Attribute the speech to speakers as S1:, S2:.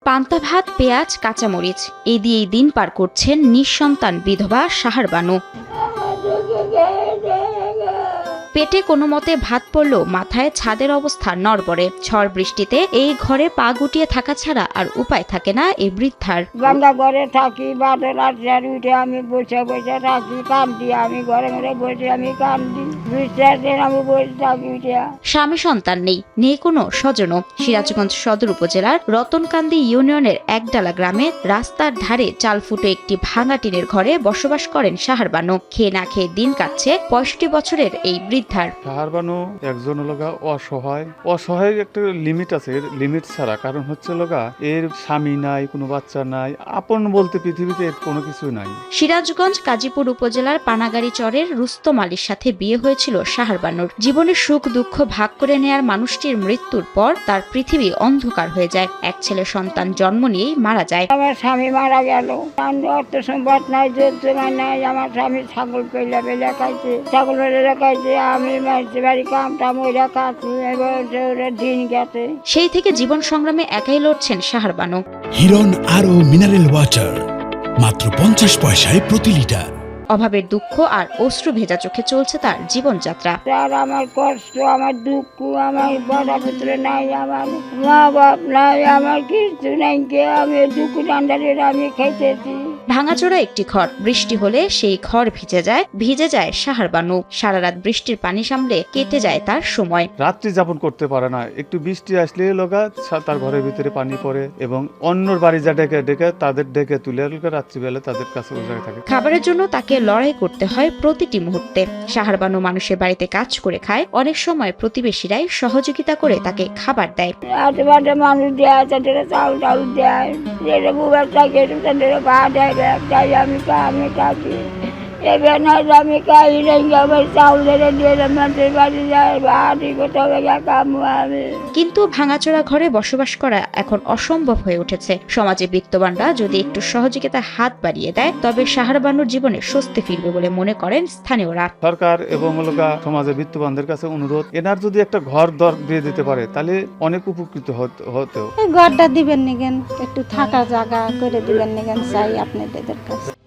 S1: পান্তা ভাত, পেঁয়াজ, কাঁচামরিচ এই দিয়েই দিন পার করছেন নিঃসন্তান বিধবা সাহার বানু। পেটে কোনো মতে ভাত পড়লেও মাথায় ছাদের অবস্থা নড়বড়ে। ঝড় বৃষ্টিতে এই ঘরে পা গুটিয়ে থাকা ছাড়া আর উপায় থাকে না এই বৃদ্ধার।
S2: বাংলা ঘরে থাকি, বাদল আর উঠে আমি বসে বসে থাকি, কান্দি। আমি ঘরে ঘরে বসে আমি কান্দি, বিশ্বাস দিন আমি বসে থাকি উঠে।
S1: স্বামী সন্তান নেই কোনো স্বজন। সিরাজগঞ্জ সদর উপজেলার রতনকান্দি ইউনিয়নের একডালা গ্রামে রাস্তার ধারে চাল ফুটে একটি ভাঙা টিনের ঘরে বসবাস করেন সাহার বানু। খেয়ে না খেয়ে দিন কাটছে 65 বছরের এই বৃদ্ধার।
S3: সাহার বানু একজন লগা অসহায় একটা লিমিট আছে, লিমিট ছাড়া। কারণ হচ্ছে লগা এর স্বামী নাই, কোনো বাচ্চা নাই, আপন বলতে পৃথিবীতে এর কোনো কিছু নাই।
S1: সিরাজগঞ্জ কাজীপুর উপজেলার পানাগাড়ি চরের রুস্তম আলীর সাথে বিয়ে হয়েছিল সাহার বানুর। জীবনের সুখ দুঃখ ভাগ করে নেয়ার মানুষটির মৃত্যুর পর তার পৃথিবী অন্ধকার হয়ে যায়। এক ছেলে সন্তান জন্ম নিয়েই মারা যায়।
S2: আমার স্বামী মারা গেল, অর্থ সম্পদ নাই, জোর জমা নাই। আমার স্বামী ছাগল পেলে খাইছে, ছাগল পেলে খাইছে। আমি মাঝে বাড়ি কামটাম ওইরা খাচ্ছি, এবার দিন গেছে।
S1: সেই থেকে জীবন সংগ্রামে একাই লড়ছেন সাহার বানু।
S4: হিরন আরও মিনারেল ওয়াটার মাত্র 50 পয়সায় প্রতি লিটার।
S1: অভাবের দুঃখ আর অশ্রু ভেজা চোখে চলছে তার জীবনযাত্রা।
S2: আর আমার কষ্ট, আমার দুঃখ, আমার বড় পুত্র নাই, আমার মা বাপ নাই, আমার কিছু নাই। আমি দুঃখ ডান্ডারে আমি খাইতেছি।
S1: ভাঙাচোরা একটি ঘর, বৃষ্টি হলে সেই ঘর ভিজে যায় সাহার বানু। সারা রাত বৃষ্টির পানি সামলে কেটে যায় তার সময়।
S3: রাত্রি যাপন করতে পারে না, একটু বৃষ্টি আসলে লগা তার ঘরের ভিতরে পানি পড়ে এবং অন্যর বাড়ি যা ডেকে তাদের ডেকে তুলে রাত্রিবেলা তাদের কাছে ওই জায়গায় থাকে।
S1: খাবারের জন্য তাকে লড়াই করতে হয় প্রতিটি মুহূর্তে। সাহার বানু মানুষের বাড়িতে কাজ করে খায়, অনেক সময় প্রতিবেশীরাই সহযোগিতা করে তাকে খাবার দেয়।
S2: আশেপাশে মানুষ দেয়, তাদের চাউল টাউল দেয়, যেটা বুবার থাকে তাদের ভাত দেয়, আমি থাকি। এবার না আমি খাই নাই, আমার চাউল দিয়ে মানুষের বাড়ি যায়, ভাত কোথাও কামু আমি।
S1: কিন্তু ভাঙাচোরা ঘরে বসবাস করা এখন অসম্ভব হয়ে উঠেছে। সমাজে বিত্তবানরা যদি একটু সহযোগিতার হাত বাড়িয়ে দেয় তবে সাহার বানুর জীবনে স্বস্তি ফিরবে বলে মনে করেন স্থানীয়রা।
S3: সরকার এবং সমাজে বিত্তবানদের কাছে অনুরোধ, এনার যদি একটা ঘর দর দিয়ে দিতে পারে তাহলে অনেক উপকৃত হতো।
S5: ঘরটা দিবেন নিগেন, একটু থাকা জায়গা করে দিবেন নিগেন চাই আপনাদের কাছে।